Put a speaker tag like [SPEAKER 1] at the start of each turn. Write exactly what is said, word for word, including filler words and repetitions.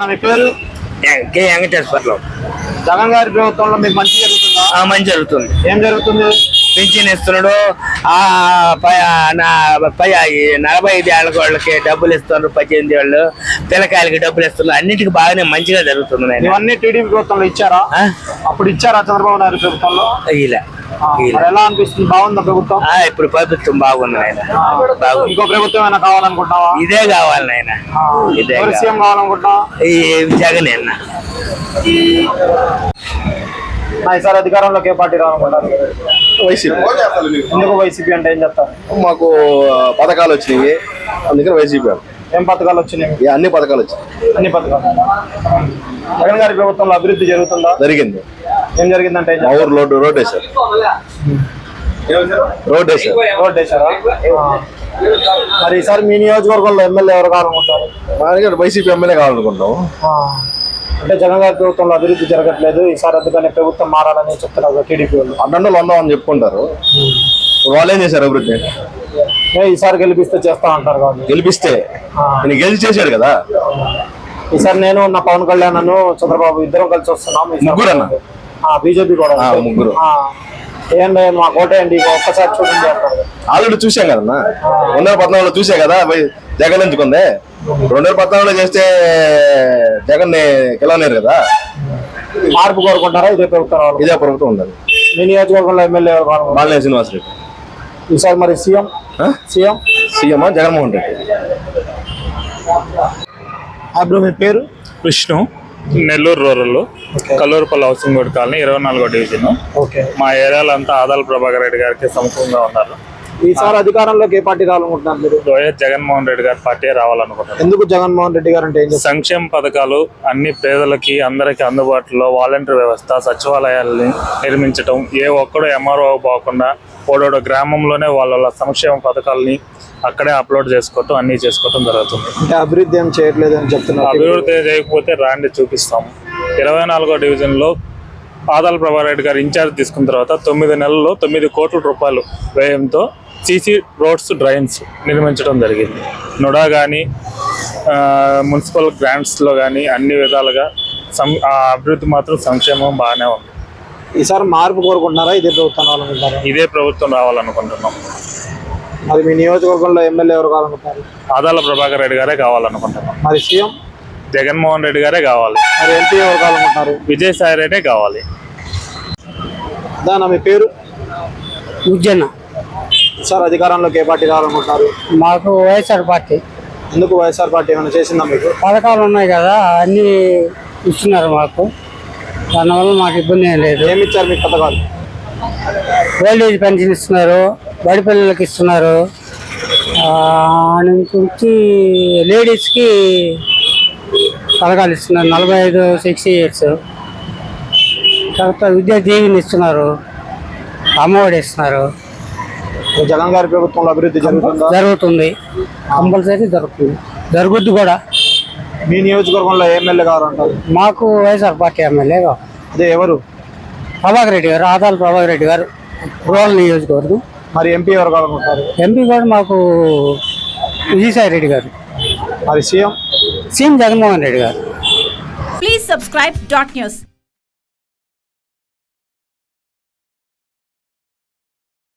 [SPEAKER 1] మీ పేరు?
[SPEAKER 2] కే వెంకటేశ్వర్లు.
[SPEAKER 1] జగన్ గారి ప్రభుత్వంలో మీకు మంచి జరుగుతుందా?
[SPEAKER 2] మంచి జరుగుతుంది.
[SPEAKER 1] ఏం జరుగుతుంది?
[SPEAKER 2] పింఛన్ ఇస్తున్నాడు. ఆ పై నలభై ఐదు ఏళ్ళ వాళ్ళకి డబ్బులు ఇస్తున్నారు, పద్దెనిమిది ఏళ్ళు పిల్లకాయలకి డబ్బులు ఇస్తున్నారు. అన్నిటికీ బాగానే మంచిగా జరుగుతుంది.
[SPEAKER 1] ఇవన్నీ టీడీపీ ప్రభుత్వంలో ఇచ్చారా? అప్పుడు ఇచ్చారా చంద్రబాబు నాయుడు ప్రభుత్వంలో?
[SPEAKER 2] ఇలా
[SPEAKER 1] ఎలా అనిపిస్తుంది? బాగుందా ప్రభుత్వం?
[SPEAKER 2] ఇప్పుడు ప్రభుత్వం బాగుంది నాయన.
[SPEAKER 1] ఇంకో ప్రభుత్వం ఏమైనా కావాలనుకుంటున్నావా?
[SPEAKER 2] ఇదే కావాలి నాయన. ఇదే
[SPEAKER 1] సీఎం కావాలనుకుంటున్నావా?
[SPEAKER 2] ఈ జగన్ అన్న.
[SPEAKER 1] ఈసారి అధికారంలోకి ఏ పార్టీ రావాలనుకుంటారు?
[SPEAKER 3] వైసీపీ.
[SPEAKER 1] ఎందుకు వైసీపీ అంటే ఏం చెప్తారు?
[SPEAKER 3] మాకు పథకాలు వచ్చినాయి, అందుకని వైసీపీ.
[SPEAKER 1] ఏం పథకాలు వచ్చినాయి?
[SPEAKER 3] అన్ని పథకాలు వచ్చినాయి.
[SPEAKER 1] అన్ని పథకాలు. జగన్ గారి ప్రభుత్వంలో అభివృద్ధి జరుగుతుందా?
[SPEAKER 3] జరిగింది.
[SPEAKER 1] ఏం జరిగిందంటే
[SPEAKER 3] మా ఊరు రోడ్డు రోడ్ వేశారు. రోడ్ వేశారు
[SPEAKER 1] రోడ్ వేశారా? మరి ఈసారి మీ నియోజకవర్గంలో ఎమ్మెల్యే ఎవరు కావాలనుకుంటారు?
[SPEAKER 3] మా వైసీపీ ఎమ్మెల్యే కావాలనుకుంటాం.
[SPEAKER 1] అంటే జగన్ గారి ప్రభుత్వంలో అభివృద్ధి జరగట్లేదు, ఈసారి అందుకని ప్రభుత్వం మారాలని చెప్తున్నారు టీడీపీ వాళ్ళు.
[SPEAKER 3] అడ్డంలో ఉందామని చెప్పుకుంటారు. వాళ్ళు ఏం చేశారు అభివృద్ధి?
[SPEAKER 1] ఈసారి గెలిపిస్తే చేస్తా అంటారు కాబట్టి.
[SPEAKER 3] గెలిపిస్తే నేను గెలిచి చేశాడు కదా.
[SPEAKER 1] ఈసారి నేను నా పవన్ కళ్యాణ్ అను చంద్రబాబు ఇద్దరం కలిసి వస్తున్నాం.
[SPEAKER 3] ముగ్గురు అన్న
[SPEAKER 1] బీజేపీ కూడా
[SPEAKER 3] ముగ్గురు.
[SPEAKER 1] ఏంటంటే మా కోటేయండి ఒక్కసారి చూడండి అంటారు.
[SPEAKER 3] ఆల్రెడీ చూసాం కదన్నా, రెండు వేల పద్నాలుగులో చూసా కదా జగన్ ఎందుకుంది. రెండు వేల పద్నాలుగులో చేస్తే జగన్ ని గెలవలేరు కదా.
[SPEAKER 1] మార్పు కోరుకుంటారా? ఇదే ప్రభుత్వం రావాలి.
[SPEAKER 3] ఇదే ప్రభుత్వం ఉండాలి.
[SPEAKER 1] మీ నియోజకవర్గంలో ఎమ్మెల్యే
[SPEAKER 3] బాలినేని శ్రీనివాసరెడ్డి.
[SPEAKER 1] ఈసారి మరి CM CM
[SPEAKER 3] CM Jaganmohan Reddy.
[SPEAKER 1] అప్పుడు మీ పేరు?
[SPEAKER 4] Vishnu, Nellore rural, Kallurupalli housing board colony, ఇరవై నాలుగో డివిజన్. మా ఏరియాలో అంతా ఆదాల ప్రభాకర్ రెడ్డి గారికి సమకూలంగా ఉన్నారు.
[SPEAKER 1] ఈసారి అధికారంలోకి ఏ పార్టీ రావాలనుకుంటున్నారు మీరు?
[SPEAKER 4] వైఎస్ జగన్మోహన్ రెడ్డి గారి పార్టీ రావాలనుకుంటున్నారు.
[SPEAKER 1] ఎందుకు జగన్మోహన్ రెడ్డి గారు అంటే?
[SPEAKER 4] సంక్షేమ పథకాలు అన్ని పేదలకి అందరికీ అందుబాటులో, వాలంటీర్ వ్యవస్థ, సచివాలయాల్ని నిర్మించడం, ఏ ఒక్కడు ఎంఆర్ఓ పోకుండా ఓడోడో గ్రామంలోనే వాళ్ళ సంక్షేమ పథకాలని అక్కడే అప్లోడ్ చేసుకోవటం, అన్ని చేసుకోవటం జరుగుతుంది.
[SPEAKER 1] అంటే అభివృద్ధి ఏం చేయట్లేదు అని చెప్తున్నారు.
[SPEAKER 4] అభివృద్ధి చేయకపోతే రాండి చూపిస్తాము. ఇరవై నాలుగో డివిజన్ లో ఆదాల ప్రభాకర్ రెడ్డి గారు ఇన్ఛార్జ్ తీసుకున్న తర్వాత తొమ్మిది నెలల్లో తొమ్మిది కోట్ల రూపాయలు వ్యయంతో సీసీ రోడ్స్, డ్రైన్స్ నిర్మించడం జరిగింది. నుడా కానీ మున్సిపల్ గ్రాంట్స్లో కానీ అన్ని విధాలుగా సం అభివృద్ధి మాత్రం సంక్షేమం బాగానే ఉంది.
[SPEAKER 1] ఈసారి మార్పు కోరుకుంటున్నారా? ఇదే ప్రభుత్వం రావాలనుకుంటారా?
[SPEAKER 4] ఇదే ప్రభుత్వం రావాలనుకుంటున్నాం.
[SPEAKER 1] మరి మీ నియోజకవర్గంలో ఎమ్మెల్యే ఎవరు కావాలనుకుంటారు?
[SPEAKER 4] ఆదాల ప్రభాకర్ రెడ్డి గారే కావాలనుకుంటున్నాం.
[SPEAKER 1] మరి సీఎం
[SPEAKER 4] జగన్మోహన్ రెడ్డి గారే కావాలి.
[SPEAKER 1] మరి ఎంపీ ఎవరు కావాలనుకుంటారు?
[SPEAKER 4] విజయసాయి రెడ్డే కావాలి.
[SPEAKER 1] దాని మీ పేరు?
[SPEAKER 5] ఉజ్జన్న.
[SPEAKER 1] సార్ అధికారంలోకి ఏ పార్టీ రావాలనుకుంటున్నారు?
[SPEAKER 5] మాకు వైఎస్ఆర్ పార్టీ.
[SPEAKER 1] ఎందుకు వైఎస్ఆర్ పార్టీ ఏమైనా చేసిందా మీకు?
[SPEAKER 5] పథకాలు ఉన్నాయి కదా, అన్నీ ఇస్తున్నారు మాకు, దానివల్ల మాకు ఇబ్బంది ఏం లేదు.
[SPEAKER 1] ఏమి ఇచ్చారు మీకు పథకాలు?
[SPEAKER 5] ఓల్డ్ ఏజ్ పెన్షన్ ఇస్తున్నారు, బడి పిల్లలకి ఇస్తున్నారు, నుంచి లేడీస్కి పథకాలు ఇస్తున్నారు, నలభై ఐదు సిక్స్టీ ఇయర్స్. తర్వాత విద్యా దీవెని ఇస్తున్నారు, అమ్మఒడి ఇస్తున్నారు.
[SPEAKER 1] జగన్ గారి ప్రభుత్వంలో అభివృద్ధి జరుగుతుందా?
[SPEAKER 5] జరుగుతుంది, కంపల్సరీ జరుగుతుంది, జరుగుద్ది కూడా.
[SPEAKER 1] మీ నియోజకవర్గంలో ఎమ్మెల్యే కావాలంటారు?
[SPEAKER 5] మాకు వైఎస్ఆర్ పార్టీ ఎమ్మెల్యే కావాలి.
[SPEAKER 1] అదే ఎవరు?
[SPEAKER 5] ప్రభాకర్ రెడ్డి గారు, ఆదాల ప్రభాకర్ రెడ్డి గారు, రూరల్ నియోజకవర్గం.
[SPEAKER 1] మరి ఎంపీ ఎవరు కావాలనుకుంటారు?
[SPEAKER 5] ఎంపీ కూడా మాకు విజయసాయి రెడ్డి గారు.
[SPEAKER 1] మరి CM?
[SPEAKER 5] CM Jaganmohan Reddy garu.
[SPEAKER 6] Please subscribe dot news.